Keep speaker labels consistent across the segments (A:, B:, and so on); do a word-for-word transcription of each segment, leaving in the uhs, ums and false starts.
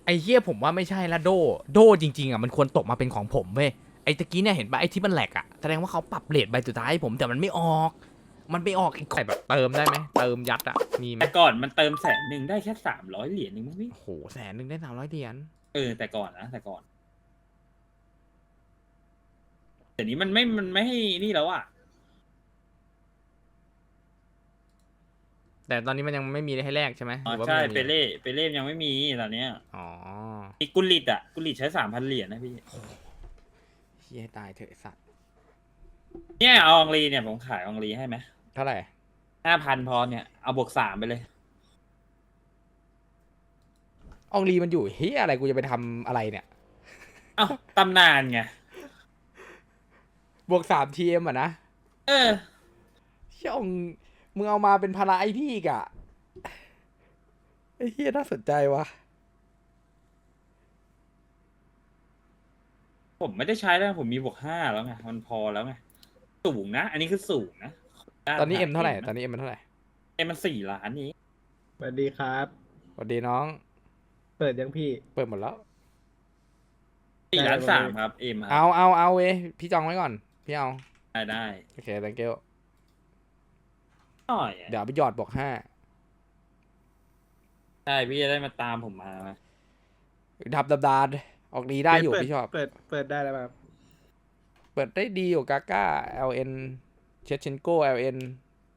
A: ไอ้เหี้ยผมว่าไม่ใช่ละโดโดจริงๆอ่ะมันควรตกมาเป็นของผมเว้ยไอ้ตะกี้เนี่ยเห็นปะไอ้ที่มันแหลกอ่ะแสดงว่าเขาปรับเรทใบสุดท้ายให้ผมแต่มันไม่ออกมันไม่ออกอีกแบบเติมได้ไหมเติมยัดอ่ะมีไหม
B: แต่ก่อนมันเติมแสนหนึ่งได้แค่สามร้อยเหรียญนึงมั้งพี่
A: โอ้โหแสนหนึ่งได้สามร้อยเหรียญ
B: เออแต่ก่อนนะแต่ก่อนแต่นี้มันไม่มันไม่ให้นี่แล้วอ่ะ
A: แต่ตอนนี้มันยังไม่มีให้แลกใช่ไหม
B: อ๋อ
A: หรือว่า
B: ใช่
A: มันยังมี
B: เปเล่เปเล่ยังไม่มีตอนเนี้ย
A: อ๋อ
B: มีกุลิตอ่ะกุลิตใช้สามพันเหรียญนะพี่
A: เฮียตายเถอะไอ้สัตว์
B: เนี่ยเอาอองลีเนี่ยผมขายอองลีให้ไหม
A: เท่าไหร่
B: ห้าพันพอเนี่ยเอาบวกสามไปเลย
A: อองลีมันอยู่เฮียอะไรกูจะไปทำอะไรเนี่ย
B: เอ้าตำนานไง
A: บวกสามทีเอ็มอ่ะนะ
B: เออ
A: เชี่ยองมึงเอามาเป็นภาระไอพี่อีกอะไอ้เฮียน่าสนใจวะ
B: ผมไม่ได้ใช้แล้วผมมีบวกห้าแล้วไงมันพอแล้วไงสูงนะ อันนี้คือสูงนะ
A: ตอนนี้เอ็มเท่าไหร่ตอนนี้เอ็มมันเท่าไหร่
B: เอ็มมันสี่ล้านนี้
C: สวัสดีครับ
A: สวัสดีน้อง
C: เปิดยังพี่
A: เปิดหมดแล้ว
B: สี่ล้าน
C: ได้
B: สาม
C: เลย
B: ครับเอ็มค
A: เอา
B: รับ
A: เอาเอาเว้ยพี่จองไว้ก่อนพี่เอา
B: ได้ได้
A: โอเค thank you
B: หน่อยอะ
A: เดี๋ยวไปหยอดบวกห้า
B: ใช่พี่จะได้มาตามผมมาไหม
A: ดับดับดาดออกดีได้อยู่
C: เปิ
A: พี่ชอบ
C: เปิด เปิดได้แล้วครับ
A: เปิดได้ดีอยู่กาก้า แอล เอ็น เชชเชนโก แอล เอ็น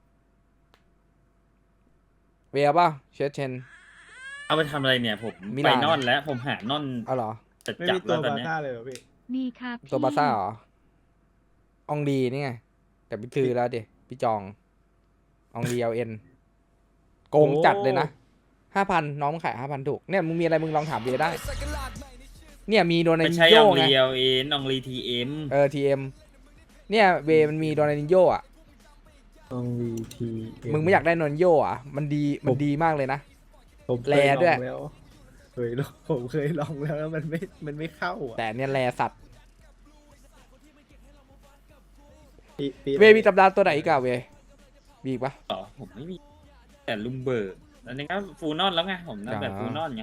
A: เวียป่ะเชชเชน
B: เอาไปทำอะไรเนี่ยผม
A: มิ
B: ไป
A: ลาน
B: นอนแล้วผมหานอน
A: เอาเหรอ
B: จะ
C: ไม่
B: จับ
C: มีตั
B: แล้ว วตอน
C: บา
B: เนี้ย
C: ซ่าเลยเหรอพี่
D: มีครับ
A: ตัวบาซ่าเหรอ อองดีนี่ไง แต่พี่ซื้อแล้วดิพี่จอง อองดี แอล เอ็น โกงจัดเลยนะห้าพันน้องมึงขายห้าพันถูก เนี่ยมึงมีอะไรมึงลองถามเวียได้ เนี่ยมีโดนั
B: ไม่
A: น
B: ใช่
A: โย
B: ออง
A: ไง
B: ลีเอลเอ็นอองลีทีเอ็ม
A: เออทีเอ็มเนี่ยเวมันมีโดนันโยอ่ะ
C: ต้องวีที
A: มึงไม่อยากได้โดนันโยอ่ะ มันดีมันดีมากเลยนะ
C: ผมเค
A: แล
C: ย
A: ด้วย
C: ลองแล้วเคยลองผมเคยลองแล้วแล้วมันไม่ มันไม่เข้าอ่ะ
A: แต่เนี่ยแลสัตว์
C: ปีปี
A: เวมีตำราตัวไหนอีกอะเวมีอีกปะ
B: ต่อผมไม่มี แต่ลุมเบิร์กอันนี้ก็ฟูลนอนแล้วไงผมนับแบบ
A: อ่า
B: ฟูลนอนไง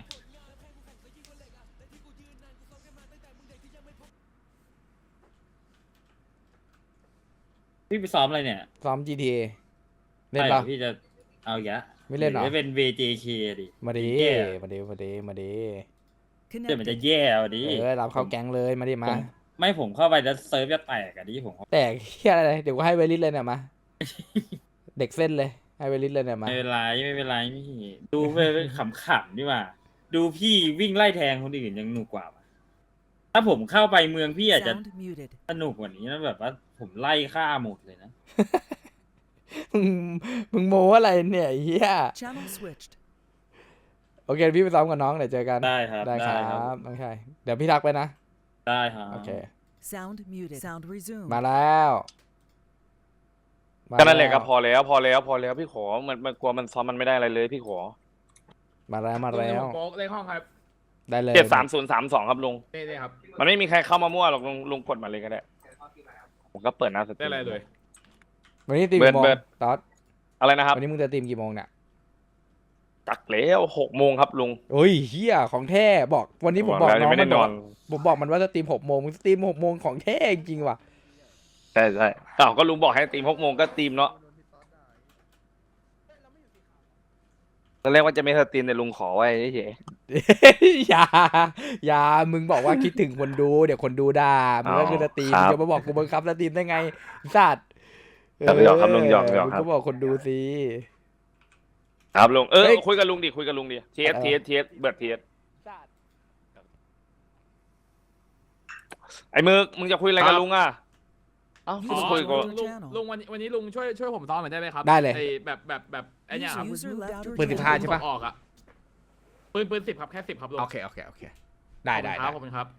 B: พี่ไปซ้อมอะไรเนี่ย
A: ซ้อม จี ที เอ เล่น
B: ใช่หร
A: ปะ
B: อพี่จะเอาอีกแล้ว
A: ไม่เล่นเหรอ
B: ไม่เป็น วี เจ เค ดิ
A: มาดี
B: แย่
A: มาดีมาดีมาดี
B: เดี๋ยวมันจะแย่เอาดิ
A: เออรับเข้าแก๊งเลยมาดิ
B: ผม
A: มา
B: ไม่ผมเข้าไปแล้วเซิร์ฟจะแตกอะดิผม
A: แต่เฮียอะไรเดี๋ยวกูให้เวลิสเลยเนี่ยมา เด็กเส้นเลยให้เวลิสเลยเนี่ยมา
B: ไม่เป็นไรไม่เป็นไรพี่ดูไปขำๆดีกว่า ดูพี่วิ่งไล่แทงคนอื่นยังหนุกกว่าว่ะถ้าผมเข้าไปเมืองพี่อาจจะ
D: Sound muted
B: สนุกกว่านี้นะแบบว่าผมไล่ฆ่าหมดเลยนะ
A: มึงมึงโมอะไรเนี่ยไอ้เฮีย
D: Channel switched
A: โอเคพี่ไปซ้อมกับน้องเดี๋ยวเจอกัน
B: ได้ครับ
A: ได้ค
B: ได้
A: รั
B: ครับ
A: บน้องชายเดี๋ยวพี่ทักไปนะ
B: ได้ครับ
A: โอเค
D: Sound muted Sound resumed
A: มาแล้วมา
E: ก็นั่นแหละ
A: ว
E: ก็พอแล้วพอแล้วพอแล้วพี่ขอมันมันกลัวมันซ้อมมันไม่ได้อะไรเลยพี่ขอ
A: มาแล้วมาแล้ว
F: โป๊กเลขห้องครับ
A: ได้เลย
E: เจ็ดสามศูนย์สามสองครับลุง
F: นี่นี่ครับ
E: มันไม่มีใครเข้ามามั่วหรอกลุงลุงกดมาเลยก็ได้ผมก็เปิดหน้าสตรี
F: ได้
E: ม
F: อะไรเลย
A: วันนี้ตีม
E: เบิร์
A: กี่
E: ด
A: โมง
E: เบิร์ด
A: ตอด
E: อะไรนะครับ
A: วันนี้มึงจะตีมกี่โมงเนี่ย
E: จักแล้วหกโมงครับลุง
A: โอ้ยเฮียของแท้บอกวันนี้ผมบอก
E: แล้ว
A: น้อง
E: ไม่ได้
A: มันบอก
E: นอน
A: ผมบอกมันว่าจะตีมหกโมงมึงตีมหกโมงของแท้จริงว่ะ
E: ใช่ใช่อ้าวก็ลุงบอกให้ตีมหกโมงก็ตีมเนาะตอนแรกว่าจะไม่สตรีมแต่ลุงขอไว้เฉย
A: อย่าอย่ามึงบอกว่าคิดถึงคนดูเดี๋ยวคนดูด่ามึงก็คือสตรีมมึงจะมาบอกกูบังคับสตรีมได้ไงสัตว์
E: ครับหยอกครับลุงหยอกหยอก
A: มึง
E: ครับ
A: ก็บอกคนดูสิ
E: ครับลุงเออ
A: เฮ้ย
E: คุยกับลุงดิคุยกับลุงดิเทียส
A: เออ
E: เทียสเทียสเบิร์ดเทียสไอ้มึกมึงจะคุยอะไรกับลุงอ่ะเอ้า
F: อ๋อ
E: คุยกับ
F: ลุงลุงลุงวันนี้วันนี้ลุงช่วยช่วยผมซ้อมหน่อยได้ไหมครับ
A: ได้เลย
F: อ้แบบแบบแบบไอ้เนี่ยครับ
D: User left your
A: ปืนสิบห้า
D: channel
A: ใช่ปะ
F: ออกอะปืนปืนสิบครับแค่สิบครับลุง
A: โอเคโอเคโอเคได้ได้
F: ข
A: ได้
F: อบคุณครับ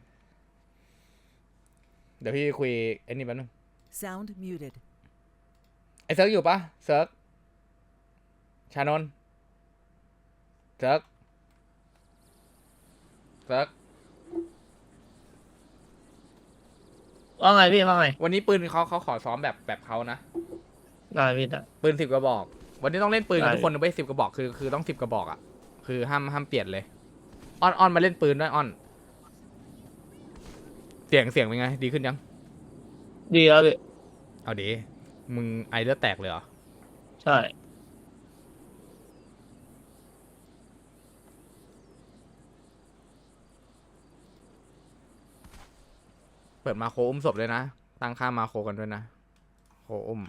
A: เดี๋ยวพี่คุยไอ้นี่แป๊บนึง
D: Sound muted
A: ไอ้เซิร์กอยู่ปะเซิร์กชานนท์เซิร์กเซิร์ก
G: ว่าไงพี่ว่าไง
A: วันนี้ปืนเขาเขาขอซ้อมแบบแบบเขานะ
G: ได้พี่ได้
A: ปืนสิบกระบอก วันนี้ต้องเล่นปืนกัน
G: ได้
A: ทุกคนนะเว้ยสิบกระบอกคือคือต้องสิบกระบอกอ่ะคือห้ามห้ามเปลี่ยนเลยอ้อนอ้อนมาเล่นปืนด้วยอ้อน เสียงเสียงเป็นไง ดีขึ้นยัง
G: ดีแล้วพี่
A: เอาดีมึงไอเลือดแตกเลยเหรอ
G: ใช่
A: เปิดมาโคอุ้มศพด้วยนะ ตั้งค่ามาโคกันด้วยนะ โคอุ้ม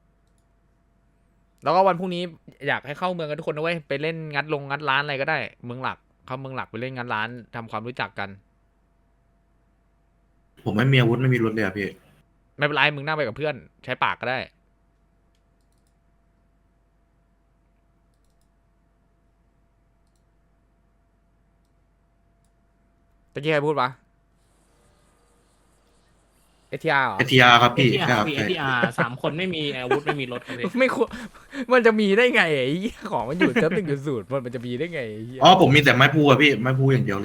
A: แล้วก็วันพรุ่งนี้อยากให้เข้าเมืองกันทุกคนนะเว้ย ไปเล่นงัดลงงัดร้านอะไรก็ได้ เมืองหลัก เข้าเมืองหลักไปเล่นงัดร้านทำความรู้จักกัน
H: ผมไม่มีอาวุธไม่มีรถเลยอะพี่
A: ไม่เป็นไร มึงนั่งไปกับเพื่อน ใช้ปากก็ได้ ตะกี้ใครพูดปะเอทีอาร์เหรอ
H: เอทีอาร์ครับพี่
I: เอทีอา
H: ใช่ค
I: ร์
H: รับ
I: พี่เอ
H: ใช่
I: ทีอาร์สามคนไม่มีอาวุธไม่มีรถครับพี่
A: ไม่ควรมันจะมีได้ไงไอ้เหี้ยของมันอยู่เซิร์ฟหนึ่งจุดศูนย์มันมันจะมีได้ไงไอ้เหี้ย
H: อ๋อผมมีแต่ไม้พูอะพี่ไม้พูอย่างเดียวเลย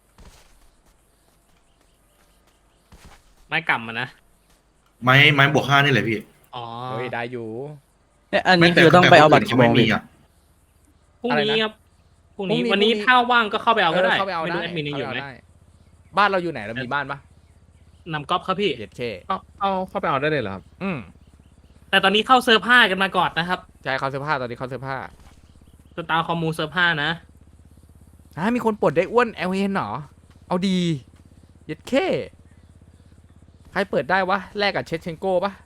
I: ไม้กำมันนะ
H: ไม้ไม้บวกห้านี่แหละพี่
I: อ๋อ
A: เฮ้ยได้อยู่
J: เนี่ยอันนี้คือต้องไปเอาบัตรกี่โมง
H: ไม่
J: ดิ
H: มีอะ
I: พรุ่ง
A: อะไร
I: นี้
A: นะ
I: ครับพรุ่งนี้
A: พรุ่งนี้
I: วันนี้
A: พรุ่งนี้
I: ถ้าว่างก็เข้าไปเอาก็ได้
A: เข้าไปเอา
I: ไม่
A: ได้
I: รู้แอดมินยังอยู่ไหม
A: เข้าปเาด้บ้านเราอยู่ไหนเรามีบ้านปะ
I: นำก๊อฟครับพี่
A: เย็ดเค
F: เอาเอาเข้าไปเอาได้เลยเหรอครับ
A: อืม
I: แต่ตอนนี้เข้าเซิร์ฟห้ากันมาก่อนนะครับ
A: ใช่เขาเสื้อผ้าตอนนี้เขาเสื้อผ้า
I: สตาร์คอมมูเซิร์ฟห้านะ
A: อ่ามีคนปลดได้อ้วนเอลเอ็นเหรอ เอาดีเย็ดเคใครเปิดได้วะแลกกับเชชเชนโก้ปะ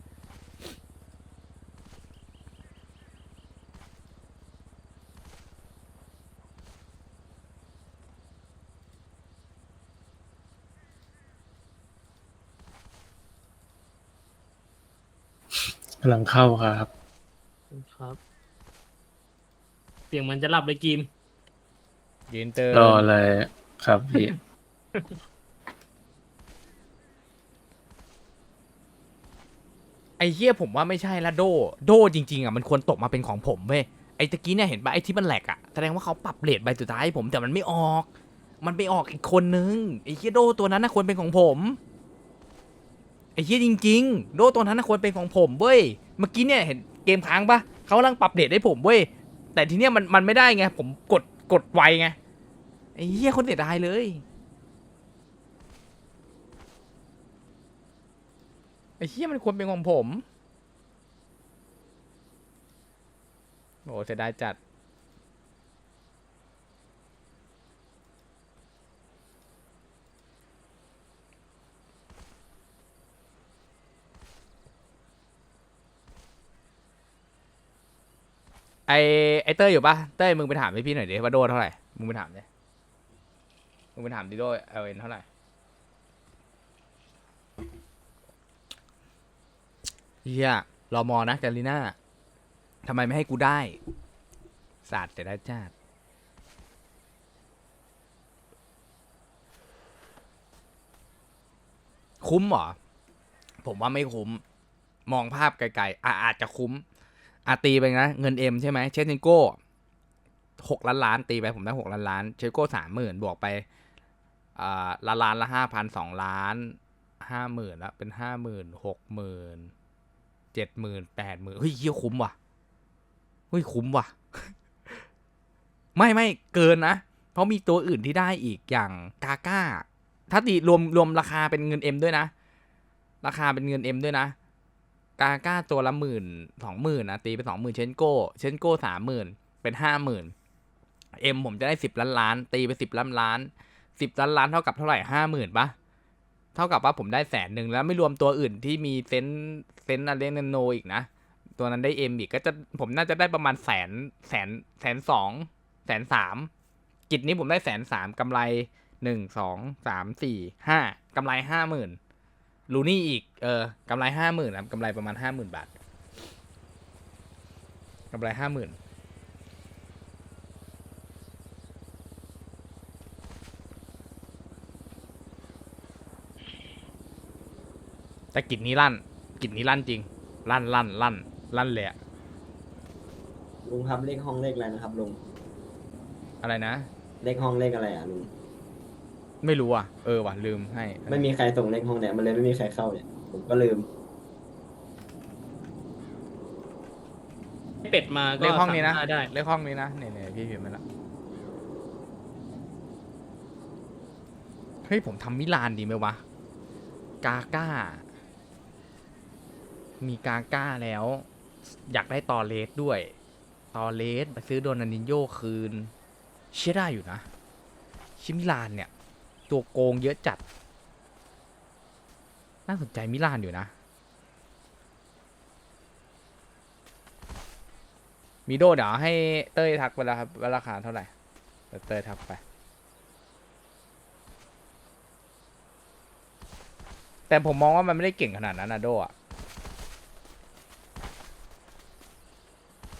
J: กำลังเข้าครับ
I: ครับ เสียงมันจะหลับเลยกิม
A: ยืนเติม
J: รอเลยครับพี่
A: ไอ้เหี้ยผมว่าไม่ใช่ละโด โดจริงๆอ่ะมันควรตกมาเป็นของผมเว้ยไอ้ตะกี้เนี่ยเห็นปะไอ้ที่มันแหลกอ่ะแสดงว่าเขาปรับเรทใบสุดท้ายให้ผมแต่มันไม่ออก มันไปออกอีกคนนึงไอ้เหี้ยโดตัวนั้นน่ะควรเป็นของผมไอ้เหี้ยจริงๆ โดตัวนั้นน่ะควรเป็นของผมเว้ยเมื่อกี้เนี่ยเห็นเกมค้างปะเขากำลังปรับเรทให้ผมเว้ยแต่ทีเนี้ยมันมันไม่ได้ไงผมกดกดไวไงไอ้เหี้ยคนเสียดายเลยไอ้เหี้ยมันควรเป็นของผมโอ้เสียดายจัดไอไอเต้ยอยู่ปะเต้ยมึงไปถามให้พี่หน่อยดิว่าโดเท่าไหร่มึงไปถามดิมึงไปถามดิโดเอลเอ็นเท่าไหร่เฮียรอมอนะแกลิน่าทำไมไม่ให้กูได้ศาสตร์แต่ได้จ้าดคุ้มเหรอ ผมว่าไม่คุ้ม มองภาพไกลๆอ่ะอาจจะคุ้มอาตีไปนะ เงินเอ็มใช่ไหมเชสเนโก้หกล้านล้านตีไปผมได้หกล้านล้านเชสโก้สามหมื่นบวกไปอ่าละล้านละห้าพันสองล้านห้าหมื่นแล้วเป็นห้าหมื่นหกหมื่นเจ็ดหมื่นแปดหมื่นเฮ้ยเฮียคุ้มว่ะเฮ้ยคุ้มว่ะ ไม่ไม่เกินนะ เพราะมีตัวอื่นที่ได้อีกอย่างกาก้า ถ้าตีรวมรวมราคาเป็นเงินเอ็มด้วยนะ ราคาเป็นเงินเอ็มด้วยนะ กาก้าตัวละหมื่นสองหมื่นนะตีไปสองหมื่นเชนโก้เชนโก้สามหมื่นเป็นห้าหมื่นเอ็มผมจะได้สิบล้านล้านตีไปสิบล้านล้านสิบล้านล้านเท่ากับเท่าไหร่ห้าหมื่นปะเท่ากับว่าผมได้แสนหนึ่งแล้วไม่รวมตัวอื่นที่มีเซนเซนอะไรนโนอีกนะตัวนั้นได้เอ็มอีกก็จะผมน่าจะได้ประมาณแสนแสนแสนสองแสนสามกิจนี้ผมได้แสนสามกำไรหนึ่งสองสามสี่ห้ากำไรห้าหมื่นลูนี่อีกเออกำไรห้าหมื่นครับกำไรประมาณห้าหมื่นบาทกำไรห้าหมื่นแต่กิจนี้ลั่นกิจนี้ลั่นจริงลั่นลั่นลั่นลั่นเลยอะ
K: ลุงครับเลขห้องเลขอะไรนะครับลุง
A: อะไรนะ
K: เลขห้องเลขอะไรอ่ะลุง
A: ไม่รู้อ่ะเออว่ะลืมให้
K: ไม่มีใครส่งเลขห้องเนี่ยมันเลยไม่มีใครเข้าเนี่ยผมก็ลืม
I: เป็ดมาก็
A: เลขห้องนี้นะ
I: สามารถได้
A: เลขห้องนี้นะเนี่ยเนี่ยพี่พิมพ์มาแล้วฮ้ยผมทำมิลานดีไหมวะ กาก้า มีกาก้าแล้ว อยากได้ตอเลสด้วย ตอเลสไปซื้อโดนันดินโยคืน เชื่อได้อยู่นะ ชิมิลานเนี่ย ตัวโกงเยอะจัด น่าสนใจมิลานอยู่นะ มีโดเดี๋ยวให้เต้ยทักไปแล้วครับว่าราคาเท่าไหร่เดี๋ยวเต้ยทักไป แต่ผมมองว่ามันไม่ได้เก่งขนาดนั้นนะโดอะ